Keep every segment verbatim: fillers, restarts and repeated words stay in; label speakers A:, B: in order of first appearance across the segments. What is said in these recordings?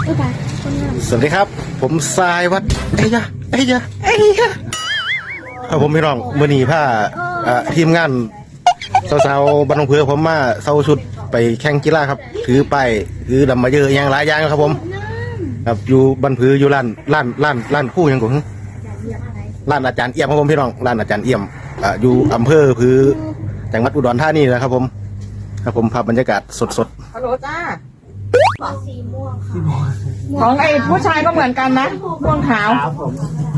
A: สวัสดีครับผมสายวัดเอ้ยยะเอ้ยยะเอ้ยยะเอาผมพี่น้องมื่อนี้ผ้าทีมงานสาวๆบ้านหนองเผือผมมาเซาชุดไปแข่งกีฬาครับถือไปถือดำมาเยอะอย่างหลายอย่างครับผมครับอยู่บ้านผืออยู่ร้านร้านร้านร้านคู่ยังกูร้านอาจารย์เอี่ยมครับผมพี่น้องร้านอาจารย์เอี่ยมอยู่อำเภอผือจังหวัดอุดรธานีนะครับผมครับผมภาพบรรยากาศสดๆ
B: ฮัลโหลจ้า
C: สีม่วงค่ะ
B: ของไอ้ผู้ชายก็เหมือนกันนะม่วงขาว
D: ผม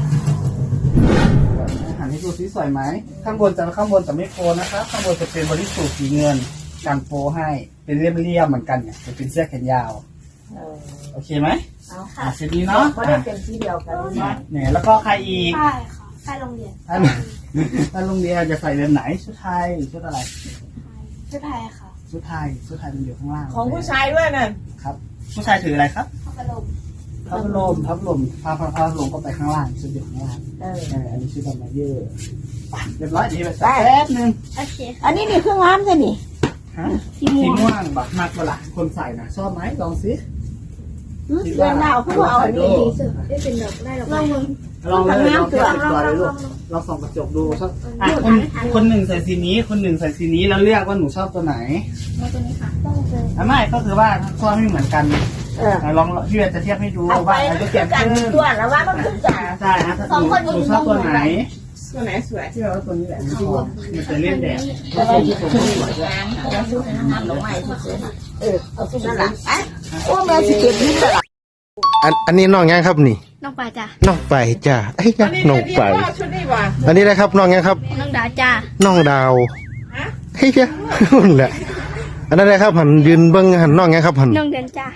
D: หันให้ดูสีสวยไหมข้างบนจะข้างบนจะไม่โฟนะครับข้างบนจะเป็นบริสุทธิ์สีเงินกันโฟให้เป็นเรียบๆเหมือนกันเนี่ยจะเป็นเสื้อแขนยาวโอเคไหม
C: เอาค่ะ
D: เสร็จดีเนาะ
B: ไม่ได้เป็นที่เดียวกัน
D: เนี่ยแล้วก็ใครอีก
C: ใช่ค่ะใช่โรงเรียน
D: ท่านท่านโรงเรียนจะใส่เรือนไหนชุดไทยชุดอะไร
C: ชุดไทยค่ะ
D: ชุดไทยชุดไทยมันอยู่ข้างล่าง
B: ของผู้ชายด้วยน่ะ
D: ครับผู้ชายถืออะไรครับ
C: พัดลม
D: พัดลมพัดลมพาพาพาลมก็ไปข้างล่างชุดอยู่ข้างล่างเอออันนี้ชุดดำมาเยอะเรียบร้อยดีไปแป๊บนึง
C: โอเค
B: อันนี้นี่เครื่องร้านใช่ไหม
D: ฮะสีม่วงบักมากกว่าละคนใส่นะชอบไหมลองสิ
B: เรื่องดาวเขาเอาอันนี้ดีสุด
C: ได้เป็นแบบได้หรอ
D: ลองเลยลองเลยลองตัวเลยลูกลองส่องกระจกดูชอบอ่ะคนคนหนึ่งใส่สีนี้คนหนึ่งใส่สีนี้แล้วเลือกว่าหนูชอบตัวไหน
C: ตัวนี้ค่ะต้องเลย
D: อ่ะไม่ก็คือว่าชอบไม่เหมือนกันลองพี่จะเทียบให้ดูว่าอะไรจะเปลี่ยนขึ้น
B: ตัวแล้วว่ามันขึ้นจ่า
D: ใช่ฮะสองคนหนูชอบตัวไหน
B: ตัวไหนสวย
D: ที่เราตัวนี้แหละที่ว่ามันจะเล่นแดด
B: ก็เลยชุดสวยงามแล้วชุดงามหลงใหม่สวยเออเอาชุดนั่นแหละโอ้แม่สิเก็บนิดเดียว
A: อันอันนี้น้องยังครับนี่
C: น้องปลาจ้า
A: น้องไปจ้าไอ้จ้าน้องไป
B: ชุดนี้ว่ะ
A: อันนี้นะครับน้องยังครับ
C: น้องดาจ้า
A: น้องดาวไอ้จ้านั่นแหละอันนั้นเลยครับหันยืนเบิ้งหันน้องยังครับหัน
C: น้องเดินจ้า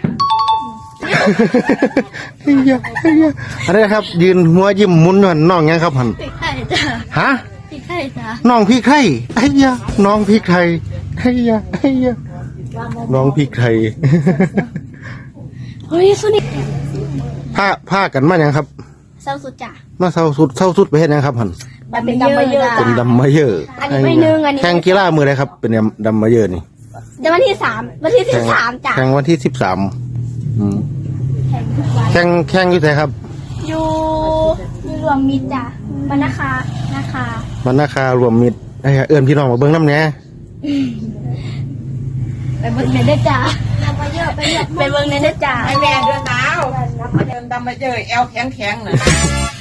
A: ไอ้จ้าไอ้จ้าอันนี้ครับยืนหัวยิ้มมุนหันน้องยังครับหัน
C: พี่ไข่จ้า
A: ฮะ
C: พี่ไข่จ้า
A: น้องพี่ไข่ไอ้จ้าน้องพี่ไข่ไอ้จ้าไอ้จ้าน้องพี่ไข่
C: เฮ้ยสุนิ
A: ผ้าผ้ากันมาอย่างครับ
C: เศร้าสุดจ้ะ
A: มาเศร้าสุดเศร้าสุดไปเห็นนะครับหัน
B: เป็นดำมาเยอะ
A: เป็นดำมาเยอะ
C: อันนี้ไม่นึงอันนี้
A: แข่งกีฬามืออะไรครับเป็นดำมาเยอะนี่
C: เดี๋ยววันที่สามวันที่สิบสามจ้ะ
A: แข่งวันที่สิบสามแข่งแข่งอยู่ไหนครับ
C: อยู่อยู่รวมมิตรจ้ะมันนะคะนะคะ
A: มันนะคะรวมมิตรไอ้เอื้อนพี่น้องมาเบิ้งน้ำเนี้ย
C: ไปเบิ้งเนได้จ้ะไปเยอะไปเยอะไปเบิ้งเนได้จ้ะ
B: ไอแม่เดินดาวเดินดำมาเจอแอลแข็งแข็งเลย